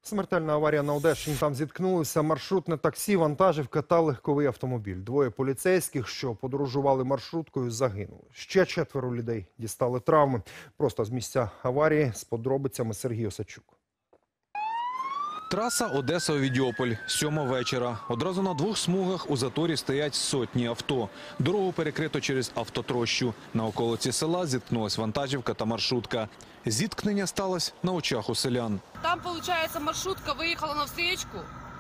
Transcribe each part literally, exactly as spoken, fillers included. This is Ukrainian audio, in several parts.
Смертельна аварія на Одещині. Там зіткнулися маршрутне таксі, вантажівка та легковий автомобіль. Двоє поліцейських, що подорожували маршруткою, загинули. Ще четверо людей дістали травми. Просто з місця аварії з подробицями Сергій Осадчук. Траса Одеса-Овідіополь. Сьома вечора. Одразу на двох смугах у заторі стоять сотні авто. Дорогу перекрито через автотрощу. На околиці села зіткнулась вантажівка та маршрутка. Зіткнення сталося на очах у селян. Там, получается, маршрутка выехала на встречку,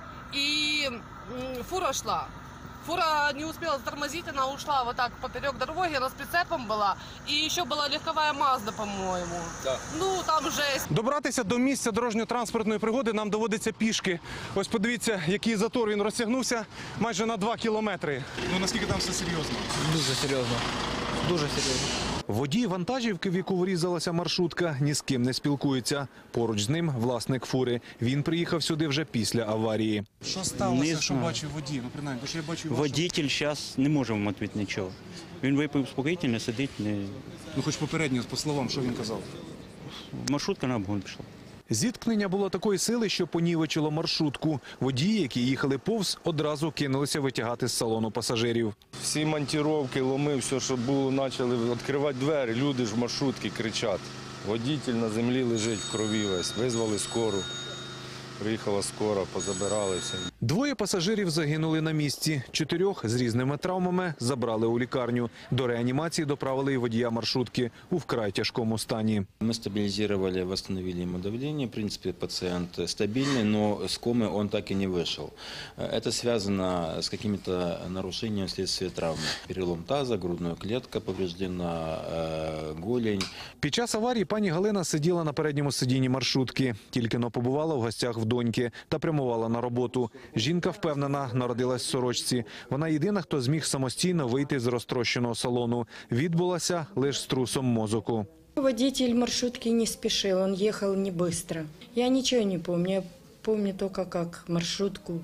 и фура шла. Фура не успела затормозить, она ушла вот так поперек дороги, она с прицепом была. И еще была легковая Мазда, по-моему. Да. Ну, там жесть. Добратися до місця дорожньо-транспортної пригоди нам доводиться пішки. Ось подивіться, який затор, він розтягнувся майже на два кілометри. Ну наскільки там все серйозно? Дуже серйозно. Дуже серйозно. Водій вантажівки, в яку врізалася маршрутка, ні з ким не спілкується. Поруч з ним власник фури. Він приїхав сюди вже після аварії. Що сталося, що бачив водій? Ну, принаймні, то, що я бачу вашу... Водитель зараз не може вам відповісти нічого. Він випив спокійно, сидить. Не... Ну, хоч попередньо, по словам, що він казав? Маршрутка на обгон пішла. Зіткнення було такої сили, що понівечило маршрутку. Водії, які їхали повз, одразу кинулися витягати з салону пасажирів. Всі монтировки, ломи, все, що було, почали відкривати двері. Люди ж в маршрутці кричать. Водитель на землі лежить в крові весь. Визвали скору. Приїхала скора, позабирали все. Двоє пасажирів загинули на місці. Чотирьох з різними травмами забрали у лікарню. До реанімації доправили і водія маршрутки у вкрай тяжкому стані. Мы стабилизировали, восстановили ему давление. В принципе, пациент стабильный, но с комы он так и не вышел. Это связано с какими-то нарушениями вследствие травмы. Перелом таза, грудная клетка повреждена, голень. Під час аварії пані Галина сиділа на передньому сидінні маршрутки. Тільки-но побувала в гостях в доньки та прямувала на роботу. Жінка впевнена, народилась в сорочці. Вона єдина, хто зміг самостійно вийти з розтрощеного салону. Відбулася лише з трусом мозоку. Водитель маршрутки не спешил, он ехал не быстро. Я ничего не помню, я помню только, как маршрутку,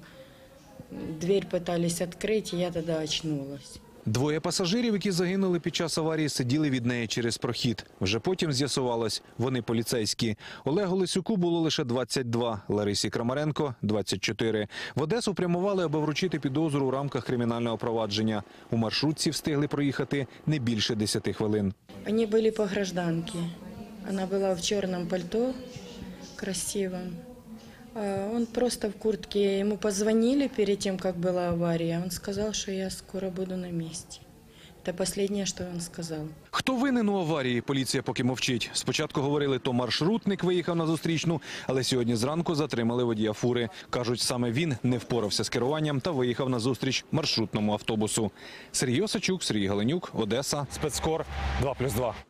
дверь пытались открыть, и я тогда очнулась. Двоє пасажирів, які загинули під час аварії, сиділи від неї через прохід. Вже потім з'ясувалось, вони поліцейські. Олегу Лисюку було лише двадцять два, Ларисі Крамаренко – двадцять чотири. В Одесу прямували, аби вручити підозру у рамках кримінального провадження. У маршрутці встигли проїхати не більше десяти хвилин. Они были по гражданке. Она была в черном пальто, красивом. Он просто в куртке. Ему позвонили перед тем, как была авария. Он сказал, что я скоро буду на месте. Это последнее, что он сказал. Хто винен у аварії, поліція поки мовчить. Спочатку говорили, то маршрутник виїхав на зустрічну, але сьогодні зранку затримали водія фури. Кажуть, саме він не впорався з керуванням та виїхав на зустріч маршрутному автобусу. Сергій Осадчук, Сергій Галенюк, Одеса. Спецкор два плюс два.